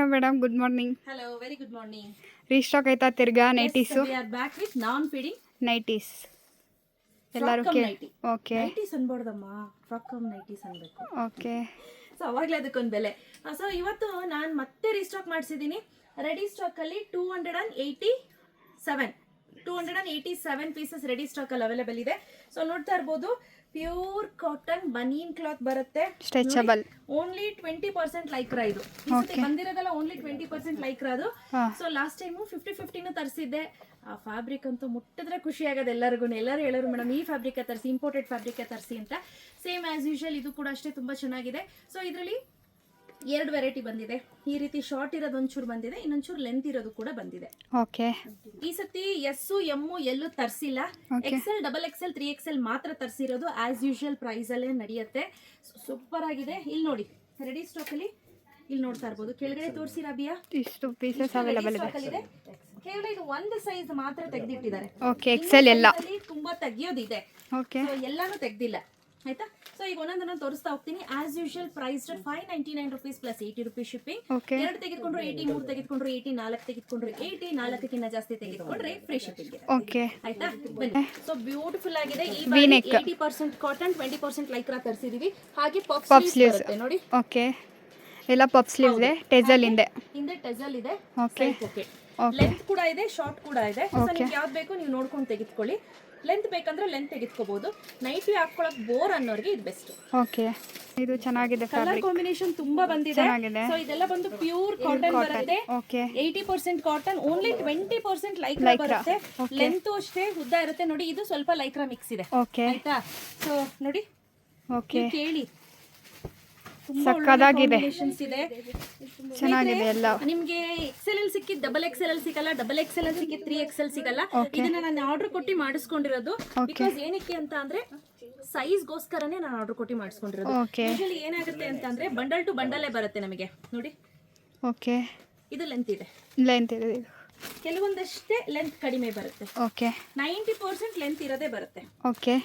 Hello madam, good morning. Hello, very good morning. Restock ಆಯ್ತಾ ತಿರ್ಗಾ Yes, nighties? we are back with non-feeding nighties ಎಲ್ಲರೂ frock cum nighty. Okay Nighties ಅನ್ಬಾರ್ದಮ್ಮ, frock cum nighties ಅನ್ಬೇಕು. Okay. So ಅವಾಗಲೇ ಅದಕ್ಕೊಂದು ಬೆಲೆ. So ಇವತ್ತು ನಾನು ಮತ್ತೆ ರೀಸ್ಟಾಕ್ ಮಾಡಿಸಿದ್ದೀನಿ. ರೆಡಿ ಸ್ಟಾಕಲ್ಲಿ 287 ಪೀಸಸ್ ರೆಡಿ ಸ್ಟಾಕಲ್ಲಿ ಅವೈಲೇಬಲ್ ಇದೆ. ಸೊ ನೋಡ್ತಾ ಇರ್ಬೋದು, ಪ್ಯೂರ್ ಕಾಟನ್ ಬನೀನ್ ಕ್ಲಾತ್ ಬರುತ್ತೆ, ಸ್ಟ್ರೆಚಬಲ್. Only 20% Lycra. ಇದು ಬಂದಿರೋದಲ್ಲ, ಓನ್ಲಿ 20% ಲೈಕ್ರಾ ಅದು. ಸೊ ಲಾಸ್ಟ್ ಟೈಮು 50-50 ತರಿಸಿದ್ದೆ. ಆ ಫ್ಯಾಬ್ರಿಕ್ ಅಂತೂ ಮುಟ್ಟಿದ್ರೆ ಖುಷಿ ಆಗೋದು ಎಲ್ಲರಿಗೂ. ಎಲ್ಲರೂ ಹೇಳೋರು ಮೇಡಮ್ ಈ ಫ್ಯಾಬ್ರಿಕ್ ತರಿಸಿ, ಇಂಪೋರ್ಟೆಡ್ ಫ್ಯಾಬ್ರಿಕ್ ತರಿಸಿ ಅಂತ. ಸೇಮ್ ಆಸ್ ಯೂಶುವಲ್ ಇದು ಕೂಡ ಅಷ್ಟೇ ತುಂಬಾ ಚೆನ್ನಾಗಿದೆ. ಸೊ ಇದರಲ್ಲಿ 2 ವೆರೈಟಿ ಬಂದಿದೆ. ಈ ರೀತಿ ಶಾರ್ಟ್ ಇರೋದು ಒಂಚೂರು ಬಂದಿದೆ, ಇನ್ನೊಂಚೂರು ಲೆಂತ್ ಇರೋದು ಕೂಡ ಬಂದಿದೆ. ಓಕೆ. ಈ ಸತಿ ಎಸ್ ಎಮ್ ಎಲ್ಲೂ ತರಿಸಿಲ್ಲ. XL, XXL, 3XL ಮಾತ್ರ ತರಿಸಿರೋದು. ಆಸ್ ಯೂಶುವಲ್ ಪ್ರೈಸ್ ಅಲ್ಲೇ ನಡೆಯುತ್ತೆ. ಸೂಪರ್ ಆಗಿದೆ. ಇಲ್ಲಿ ನೋಡಿ, ರೆಡಿ ಸ್ಟಾಕ್ ಅಲ್ಲಿ ಇಲ್ಲಿ ನೋಡ್ತಾ ಇರ್ಬೋದು. ಕೆಳಗಡೆ ತೋರಿಸಿ ರಾಬಿಯಾ, ಇಷ್ಟು ಪೀಸಸ್ ಅವೈಲೇಬಲ್ ಇದೆ. ಕೇವಲ ಇದು ಒಂದು ಸೈಜ್ ಮಾತ್ರ ತೆಗೆದಿಟ್ಟಿದ್ದಾರೆ. ಓಕೆ. ಎಕ್ಸೆಲ್ ಎಲ್ಲ ತುಂಬಾ ತೆಗಿಯೋದಿದೆ. ಓಕೆ. ಎಲ್ಲಾನು ತೆಗ್ದಿಲ್ಲ, ಆಯ್ತಾ. ಸೊ ಈಗ ಒಂದೊಂದನ್ನ ತೋರಿಸ್ತಾ ಹೋಗ್ತೀನಿ. As usual price 599 rupees plus 80 rupees shipping. 2 ತೆಗೆದುಕೊಂಡ್ರು 80, 3 ತೆಗೆದುಕೊಂಡ್ರು 80, 4 ತೆಗೆದುಕೊಂಡ್ರು 80, 4ಕ್ಕಿಂತ ಜಾಸ್ತಿ ತೆಗೆದುಕೊಂಡ್ರೆ ಫ್ರೀ ಶಿಪ್ಪಿಂಗ್. ಓಕೆ, ಆಯ್ತಾ. ಬನ್ನಿ. ಸೊ ಬ್ಯೂಟಿಫುಲ್ ಆಗಿದೆ. ಈ ಬಾರಿ 80% ಕಾಟನ್, 20% ಲೈಕ್ರಾ ತರಿಸಿದೀವಿ. ಹಾಗೆ ಪಫ್ ಸ್ಲೀವ್ಸ್ ಬರುತ್ತೆ ನೋಡಿ. ಓಕೆ. ಎಲ್ಲ ಪಫ್ ಸ್ಲೀವ್ಸ್ ಇದೆ, ಟೆಜಲ್ ಹಿಂದೆ ಟೆಜಲ್ ಇದೆ. ಓಕೆ. ಲೆಂತ್ ಕೂಡ ಇದೆ, ಶಾರ್ಟ್ ಕೂಡ ಇದೆ. ಸೊ ನಿಮ್ಗೆ ಯಾವ್ದು ಬೇಕು ನೀವು ನೋಡ್ಕೊಂಡು ತೆಗೆದುಕೊಳ್ಳಿ. ಲೆಂತ್ ಬೇಕಂದ್ರೆ ಲೆಂತ್ ತೆಗೆದುಕೋಬಹುದು. ನೈಟಿ ಹಾಕೊಳ್ಳೋಕೆ ಬೋರ್ ಅನ್ನೋರಿಗೆ ಇದು ಬೆಸ್ಟ್. ಓಕೆ. ಇದು ಚೆನ್ನಾಗಿದೆ. ಕಲರ್ ಕಾಂಬಿನೇಷನ್ ತುಂಬಾ ಬಂದಿದೆ. ಸೊ ಇದೆಲ್ಲ ಬಂದು ಪ್ಯೂರ್ ಕಾಟನ್ ಬರುತ್ತೆ. ಓಕೆ. 80% ಕಾಟನ್, ಓನ್ಲಿ 20% ಲೈಕ್ರಾ ಬರುತ್ತೆ. ಲೆಂತ್ ಅಷ್ಟೇ ಉದ್ದ ಇರುತ್ತೆ ನೋಡಿ. ಇದು ಸ್ವಲ್ಪ ಲೈಕ್ರಾ ಮಿಕ್ಸ್ ಇದೆ, ಆಯ್ತಾ. ಸೊ ನೋಡಿ, ಓಕೆ, ಕೇಳಿ, ಸಕ್ಕದಾಗಿದೆ, ಚೆನ್ನಾಗಿದೆ ಎಲ್ಲ. ನಿಮ್ಗೆ XL ಅಲ್ಲಿ ಸಿಕ್ಕಿದ್ XXL ಅಲ್ಲಿ ಸಿಗಲ್ಲ, XXL ಅಲ್ಲಿ ಸಿಕ್ಕಿದ್ 3XL ಸಿಗಲ್ಲ. ಇದನ್ನ ನಾನು ಆರ್ಡರ್ ಕೊಟ್ಟು ಮಾಡಿಸ್ಕೊಂಡಿರೋದು. ಬಿಕಾಸ್ ಏನಕ್ಕೆ ಅಂತ ಅಂದ್ರೆ ಸೈಜ್ ಗೋಸ್ಕರನೇ ನಾನು ಆರ್ಡರ್ ಕೊಟ್ಟು ಮಾಡಿಸ್ಕೊಂಡಿರೋದು. ಯೂಶುವಲಿ ಏನಾಗುತ್ತೆ ಅಂತ ಅಂದ್ರೆ ಬಂಡಲ್ ಟು ಬಂಡಲೇ ಬರುತ್ತೆ ನಮಗೆ ನೋಡಿ. ಓಕೆ. ಇದು ಲೆಂತ್ ಇದೆ, ಕೆಲವೊಂದಷ್ಟೇ ಲೆಂತ್ ಕಡಿಮೆ ಬರುತ್ತೆ. ಓಕೆ. 90% ಲೆಂತ್ ಇರೋದೇ ಬರುತ್ತೆ. ಓಕೆ.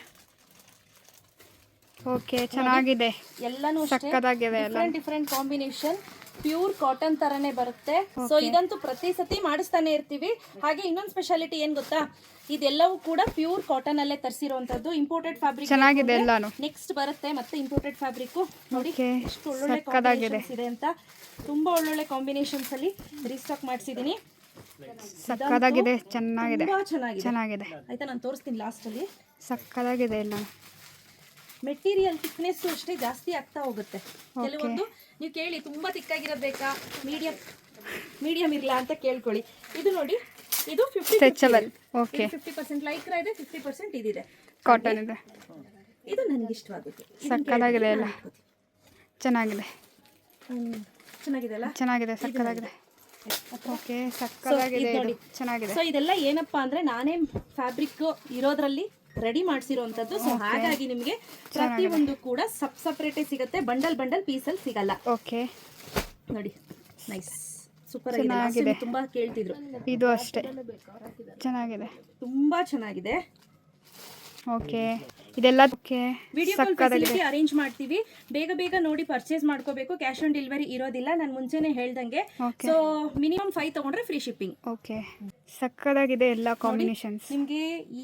ಓಕೆ, ಚೆನ್ನಾಗಿದೆ. ಎಲ್ಲಾನು ಸಕ್ಕದಾಗಿದೆ. ಡಿಫ್ರೆಂಟ್ ಕಾಂಬಿನೇಷನ್, ಪ್ಯೂರ್ ಕಾಟನ್ ತರನೇ ಬರುತ್ತೆ. ಸೊ ಇದಂತೂ ಪ್ರತಿ ಸತಿ ಮಾಡಿಸ್ತಾನೆ ಇರ್ತೀವಿ. ಹಾಗೆ ಇನ್ನೊಂದು ಸ್ಪೆಷಾಲಿಟಿ ಏನ್ ಗೊತ್ತಾ, ಇದೆಲ್ಲವೂ ಕೂಡ ಪ್ಯೂರ್ ಕಾಟನ್ ಅಲ್ಲೇ ತರಿಸಿರುವಂತದ್ದು. ಇಂಪೋರ್ಟೆಡ್ ಫ್ಯಾಬ್ರಿಕ್ ಚೆನ್ನಾಗಿದೆ ಎಲ್ಲಾನು. ನೆಕ್ಸ್ಟ್ ಬರುತ್ತೆ ಮತ್ತೆ ಇಂಪೋರ್ಟೆಡ್ ಫ್ಯಾಬ್ರಿಕ್ ನೋಡಿ. ಎಷ್ಟು ಒಳ್ಳೊಳ್ಳೆ ಕಾಂಬಿನೇಷನ್ಸ್ ಇದೆ ಅಂತ. ತುಂಬಾ ಒಳ್ಳೊಳ್ಳೆ ಕಾಂಬಿನೇಷನ್ಸ್ ಅಲ್ಲಿ ರೀಸ್ಟಾಕ್ ಮಾಡಿಸಿದೀನಿ. ಸಕ್ಕದಾಗಿದೆ, ಚೆನ್ನಾಗಿದೆ, ಚೆನ್ನಾಗಿದೆ. ಆಯ್ತಾ, ನಾನು ತೋರಿಸ್ತೀನಿ ಲಾಸ್ಟ್ ಅಲ್ಲಿ. ಸಕ್ಕದಾಗಿದೆ ಎಲ್ಲ. ಮೆಟೀರಿಯಲ್ ಥಿಕ್ನೆಸ್ ಅಷ್ಟೇ ಜಾಸ್ತಿ ಆಗ್ತಾ ಹೋಗುತ್ತೆ. ಕೆಲವೊಂದು ನೀವು ಕೇಳಿ ತುಂಬಾ ತಿಕ್ಕಾಗಿರೋದು ಬೇಕಾ, ಮೀಡಿಯಂ ಇರಲ್ಲ ಅಂತ ಕೇಳ್ಕೊಳ್ಳಿ. ಇದು ನೋಡಿ, ಇದು 50% ಲೈಕ್ರಾ ಇದೆ, 50% ಇದಿದೆ, ಕಾಟನ್ ಇದೆ. ಇದು ನನಗೆ ಇಷ್ಟವಾಗುತ್ತೆ. ಸಕ್ಕದಾಗಿದೆ ಎಲ್ಲ. ಚೆನ್ನಾಗಿದೆ ಅಲ್ಲ, ಚೆನ್ನಾಗಿದೆ, ಸಕ್ಕದಾಗಿದೆ. ಓಕೆ, ಸಕ್ಕದಾಗಿದೆ, ಚೆನ್ನಾಗಿದೆ. ಸೊ ಇದೆಲ್ಲ ಏನಪ್ಪಾ ಅಂದ್ರೆ ನಾನೇ ಫ್ಯಾಬ್ರಿಕ್ ಇರೋದ್ರಲ್ಲಿ ರೆಡಿ ಮಾಡಿಸಿರುವಂತದ್ದು. ಸೊ ಹಾಗಾಗಿ ನಿಮಗೆ ಪ್ರತಿಯೊಂದು ಕೂಡ ಸಪ್ರೇಟೇ ಸಿಗುತ್ತೆ, ಬಂಡಲ್ ಪೀಸಲ್ಲಿ ಸಿಗಲ್ಲ. ಓಕೆ. ನೋಡಿ, ನೈಸ್, ಸೂಪರ್ ಆಗಿದೆ. ತುಂಬಾ ಕೇಳ್ತಿದ್ರು. ಇದು ಅಷ್ಟೇ ಚೆನ್ನಾಗಿದೆ, ತುಂಬಾ ಚೆನ್ನಾಗಿದೆ. ಓಕೆ. ಇದೆಲ್ಲ ವಿಡಿಯೋ ಕಾಲ್ ಫೆಸಿಲಿಟಿ ಅರೇಂಜ್ ಮಾಡ್ತೀವಿ. ಬೇಗ ನೋಡಿ ಪರ್ಚೇಸ್ ಮಾಡ್ಕೋಬೇಕು. ಕ್ಯಾಶ್ ಆನ್ ಡೆಲಿವರಿ ಇರೋದಿಲ್ಲ, ನಾನು ಮುಂಚೆನೆ ಹೇಳ್ದಂಗೆ. ಸೊ ಮಿನಿಮಮ್ 5 ತಗೊಂಡ್ರೆ ಫ್ರೀ ಶಿಪ್ಪಿಂಗ್. ಓಕೆ. ಸಕ್ಕದಾಗಿದೆ ಎಲ್ಲ ಕಾಂಬಿನೇಷನ್ಸ್. ನಿಮಗೆ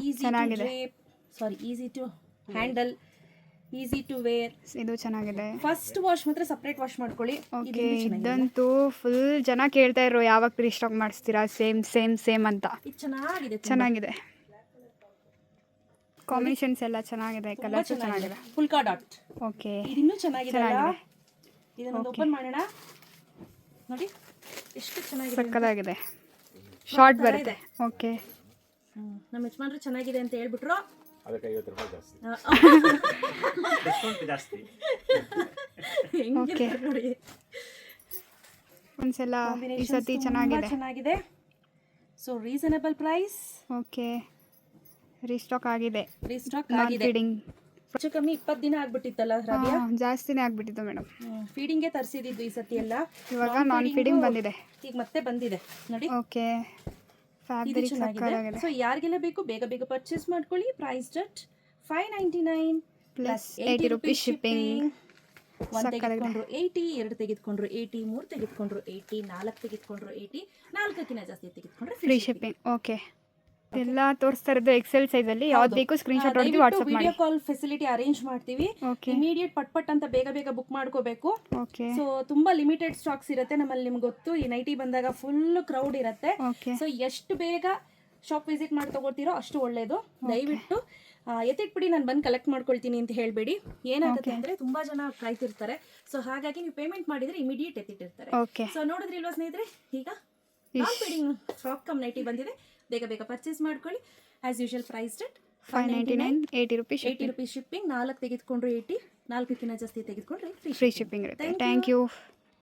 easy to handle, easy to wear. ಇದು ಚೆನ್ನಾಗಿದೆ. ಫಸ್ಟ್ ವಾಶ್ ಮಾತ್ರ ಸಪರೇಟ್ ವಾಶ್ ಮಾಡ್ಕೊಳ್ಳಿ. ಓಕೆ. ಇದಂತೂ ಫುಲ್ ಜನ ಕೇಳ್ತಾ ಇರೋ, ಯಾವಾಗ ರೀಸ್ಟಾಕ್ ಮಾಡಿಸ್ತೀರಾ, ಸೇಮ್ ಅಂತ. ಇದು ಚೆನ್ನಾಗಿದೆ. ಕಾಂಬಿನೇಷನ್ಸ್ ಎಲ್ಲ ಚೆನ್ನಾಗಿದೆ, ಕಲರ್ಸ್ ಚೆನ್ನಾಗಿದೆ. Polka dot. ಓಕೆ. ಇನ್ನೂ ಚೆನ್ನಾಗಿದೆ. ಇದನ್ನ ಓಪನ್ ಮಾಡೋಣ ನೋಡಿ, ಎಷ್ಟು ಚೆನ್ನಾಗಿದೆ, ಸಕ್ಕದಾಗಿದೆ. ಶಾರ್ಟ್ ಬರುತ್ತೆ. ಓಕೆ. ನಮ್ಮ ಯಜಮಾನ್ರು ಚೆನ್ನಾಗಿದೆ ಅಂತ ಹೇಳ್ಬಿಟ್ರು. ಅದಕ್ಕೆ 50 ರೂಪಾಯಿ ಜಾಸ್ತಿ. ಡಿಸ್ಕೌಂಟ್ ಜಾಸ್ತಿ. ಓಕೆ. ಒಂದ್ಸಲ ಈ ಸತಿ ಚೆನ್ನಾಗಿದೆ. So reasonable price. Okay. Restock ಆಗಿದೆ. ಹೆಚ್ಚು ಕಮ್ಮಿ 20 ದಿನ ಆಗ್ಬಿಟ್ಟಿತ್ತಲ್ಲ ರಾಬಿಯಾ? ಜಾಸ್ತಿನೇ ಆಗ್ಬಿಟ್ಟಿತ್ತು ಮೇಡಮ್. ಫೀಡಿಂಗ್ಗೆ ತರಿಸಿದ್ದು ಈ ಸತಿ ಎಲ್ಲ. ಇವಾಗ ನಾನ್ ಫೀಡಿಂಗ್ ಬಂದಿದೆ, ಈಗ ಮತ್ತೆ ಬಂದಿದೆ ನೋಡಿ. ಓಕೆ. ಫ್ಯಾಬ್ರಿಕ್ ಸಕ್ಕತ್ತಾಗಿದೆ. ಸೊ ಯಾರಿಗೆಲ್ಲ ಬೇಕು ಬೇಗ ಪರ್ಚೇಸ್ ಮಾಡ್ಕೊಳ್ಳಿ. Price 599 plus 80 rupees shipping. ಒಂದು ತೆಗೆದುಕೊಂಡ್ರು 80, 2 ತೆಗೆದುಕೊಂಡ್ರು 80, 3 ತೆಗೆದುಕೊಂಡ್ರು 80, 4 ತೆಗೆದುಕೊಂಡ್ರು 80, 4ಕ್ಕಿಂತ ಜಾಸ್ತಿ ತೆಗೆದುಕೊಂಡ್ರೆ ಫ್ರೀ ಶಿಪ್ಪಿಂಗ್. ಓಕೆ, ಎಲ್ಲ ತೋರಿಸ್ತಾ ಇರೋದು ಎಕ್ಸೆಲ್ ಸೈಜಲ್ಲಿ. ಯಾವ್ದು ಬೇಕು ಸ್ಕ್ರೀನ್ಶಾಟ್ ಹೊಡೆದು ವಾಟ್ಸಪ್ ಮಾಡಿ. ವಿಡಿಯೋ ಕಾಲ್ ಫೆಸಿಲಿಟಿ ಅರೇಂಜ್ ಮಾಡ್ತೀವಿ. ಓಕೆ ಇಮಿಡಿಯೇಟ್ ಪಟ್ ಅಂತ ಬೇಗ ಬೇಗ ಬುಕ್ ಮಾಡ್ಕೋಬೇಕು. ಓಕೆ ಸೊ ತುಂಬಾ ಲಿಮಿಟೆಡ್ ಸ್ಟಾಕ್ಸ್ ಇರುತ್ತೆ ನಮ್ಮಲ್ಲಿ. ನಿಮ್ಗೆ ಗೊತ್ತು, ಈ ನೈಟಿ ಬಂದಾಗ ಫುಲ್ ಕ್ರೌಡ್ ಇರುತ್ತೆ. ಓಕೆ ಸೊ ಎಷ್ಟು ಬೇಗ ಶಾಪ್ ವಿಸಿಟ್ ಮಾಡಿ ತಗೋತೀರೋ ಅಷ್ಟು ಒಳ್ಳೇದು. ದಯವಿಟ್ಟು ಎತ್ತಿಟ್ಬಿಡಿ, ನಾನು ಬಂದು ಕಲೆಕ್ಟ್ ಮಾಡ್ಕೊಳ್ತೀನಿ ಅಂತ ಹೇಳಬೇಡಿ. ಏನಾಗುತ್ತೆ ಅಂದ್ರೆ ತುಂಬಾ ಜನ ಕಾಯ್ತಿರ್ತಾರೆ. ಸೊ ಹಾಗಾಗಿ ನೀವು ಪೇಮೆಂಟ್ ಮಾಡಿದ್ರೆ ಇಮಿಡಿಯೇಟ್ ಎತ್ತಿಟ್ಟಿರ್ತಾರೆ. ಓಕೆ ಸೊ ನೋಡಿದ್ರಿಲ್ವಾ ಸ್ನೇಹಿತರೆ, ಈಗ ಫ್ರಾಕ್ ಕಮ್ ನೈಟಿ ಬಂದಿದೆ. ಬೇಗ ಬೇಗ ಪರ್ಚೇಸ್ ಮಾಡ್ಕೊಳ್ಳಿ. As usual price rate 599, 80 rupees 80 rupees shipping. 4 ತೆಗೆದುಕೊಂಡ್ರು 80, 4ಕ್ಕಿಂತ ಜಾಸ್ತಿ ತೆಗೆದುಕೊಂಡ್ರೆ ಫ್ರೀ ಶಿಪ್ಪಿಂಗ್ ಇರುತ್ತೆ. Thank you.